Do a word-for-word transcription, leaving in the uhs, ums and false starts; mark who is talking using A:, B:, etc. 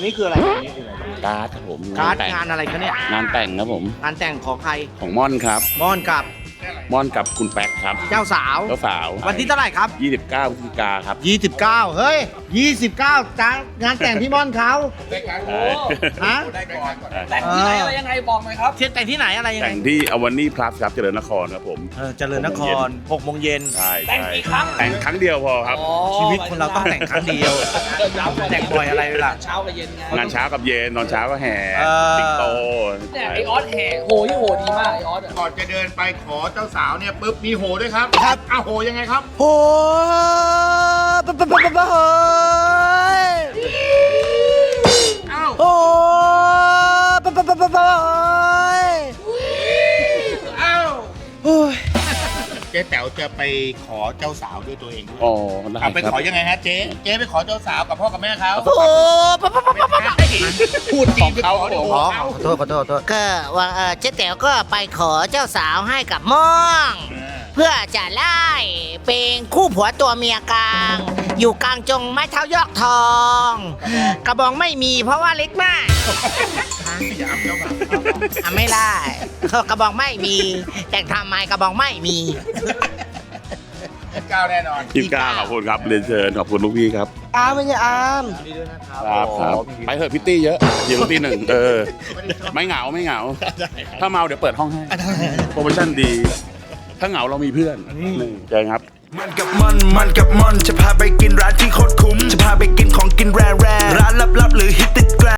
A: นี้คืออะไรอันนี้คืออะไร
B: การ์ดครับผม
A: การ์ด
B: แต่ง
A: งานอะไรคะเนี่ย
B: งานแต่งครับผม
A: งานแต่งของใคร
B: ของม่อนครับ
A: ม่อนกับ
B: ม่อนกับคุณแป๊กครับ
A: เจ้าสาว
B: เจ้าสาว
A: วันที่เท่าไหร่ครับ
B: ยี่สิบเก้าพฤศจิกาครับ
A: ยี่สิบเก้าเฮ้ยยี่สิบเก้าจ้างงานแต่งพี่ม่อนเขา
B: ใช่
A: ฮะ
C: แต่งที่ไหนอะไรยังไงบอกหน่อยครับ
A: เที่ยงแต่งที่ไหนอะไรยังไง
B: แต่งที่อวันนี่พลัสครับเจริญนครครับผม
A: เออเจริญนครหกโมงเย็น
B: ใช่
C: แต่ง
B: ใช่
C: กี่ครั้ง
B: แต่งครั้งเดียวพอครับ
C: อ๋อ
A: ชีวิตคนเราต้องแต่งครั้งเดียว แต่งบ่อยอะไรล่ะ
C: เช้ากับเย็นไง
B: งานเช้ากับเย็นตอนเช้าก็แห่
A: เออ
B: สิงโต
C: เนี่ยไอออสแห่โหที่โหดีมากไอออสอะ
D: ก่อนจะเดินไปขอเจ้าสาวเนี่ยปุ๊บมีโหด้วยครับ
A: ครับ
D: อ้าวโหยังไงครับ
A: โอ้ปะปะปะปะปะเฮ้ย
D: อ้าว
A: โอ้ปะปะปะปะปะเฮ้ย
D: อ้าว
A: โอ้ย
D: เจ๊แต๋วจะไปขอเจ้าสาวด้วยตัวเองด้วย
B: อ๋อได้
D: เอาไป
B: ครับ
D: ขอยังไงฮะเจ๊เจ๊ไปขอเจ้าสาวกับพ่อกับแม่เขา
A: โอ้ปะปะปะปะปะ
D: พูดจริงไปขอ
B: ของเขา
D: โอ้โห
A: ขอ
D: เอา
A: ขอโทษขอโทษขอโทษ
E: ก็ว่าเอ่อเจ๊แต๋วก็ไปขอเจ้าสาวให้กับม่อง เพื่อจะไล่เป็นคู่ผัวตัวเมียกลาง อยู่กลางจงไม้เท้ายอกทอง กระบองไม่มีเพราะว่าเล็กมาก
D: อย่าเอาเจ้าบ่าว
E: อ่ะไม่ได้ กระบองไม่มี แต่งทำไมกระบองไม่มี
D: ก้าวแน่นอน
B: ยี่สิบเก้าขอบคุณครับเรียนเชิญขอบคุณลูกพี่ครับ
E: อามไม่ใช่อาม
B: ครับครับไปเถอะพิตตี้เยอะเดี๋ยวพิตตี้หนึ่งเออไม่เหงาไม่เหงา ถ้าเมาเดี๋ยวเปิดห้องให้โปรโมชั่นดี ถ้าเหงาเรามีเพื่อนนี่เจอครับ
F: มันกับมันมันกับมันจะพาไปกินร้านที่โคตรคุ้ม จะพาไปกินของกินแร่แร่ร้านลับๆหรือฮิตติดแกร